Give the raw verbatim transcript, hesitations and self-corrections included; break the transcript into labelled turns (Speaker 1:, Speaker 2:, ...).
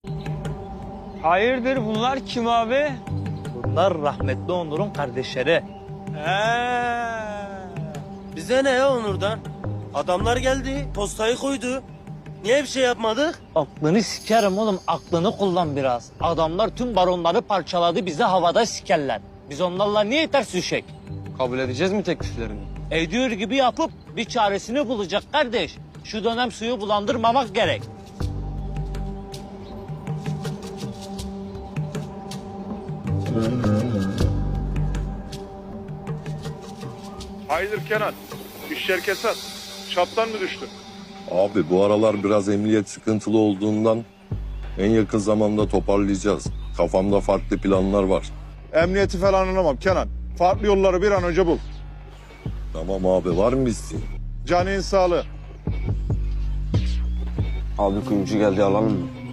Speaker 1: Hayırdır bunlar kim abi?
Speaker 2: Bunlar rahmetli Onur'un kardeşleri.
Speaker 1: He.
Speaker 3: Bize ne ya Onur'dan? Adamlar geldi, postayı koydu. Niye bir şey yapmadık?
Speaker 2: Aklını sikerim oğlum, aklını kullan biraz. Adamlar tüm baronları parçaladı, bizi havada sikerler. Biz onlarla niye ters düşek?
Speaker 1: Kabul edeceğiz mi tekliflerini?
Speaker 2: Ediyor gibi yapıp bir çaresini bulacak kardeş. Şu dönem suyu bulandırmamak gerek.
Speaker 4: Hayırdır Kenan? İşler kesat. Çaptan mı düştün?
Speaker 5: Abi bu aralar biraz emniyet sıkıntılı olduğundan en yakın zamanda toparlayacağız. Kafamda farklı planlar var.
Speaker 4: Emniyeti falan anlamam Kenan. Farklı yolları bir an önce bul.
Speaker 5: Tamam abi, var mı isteğin?
Speaker 4: Canın sağlığı.
Speaker 1: Abi kuyumcu geldi alalım mı?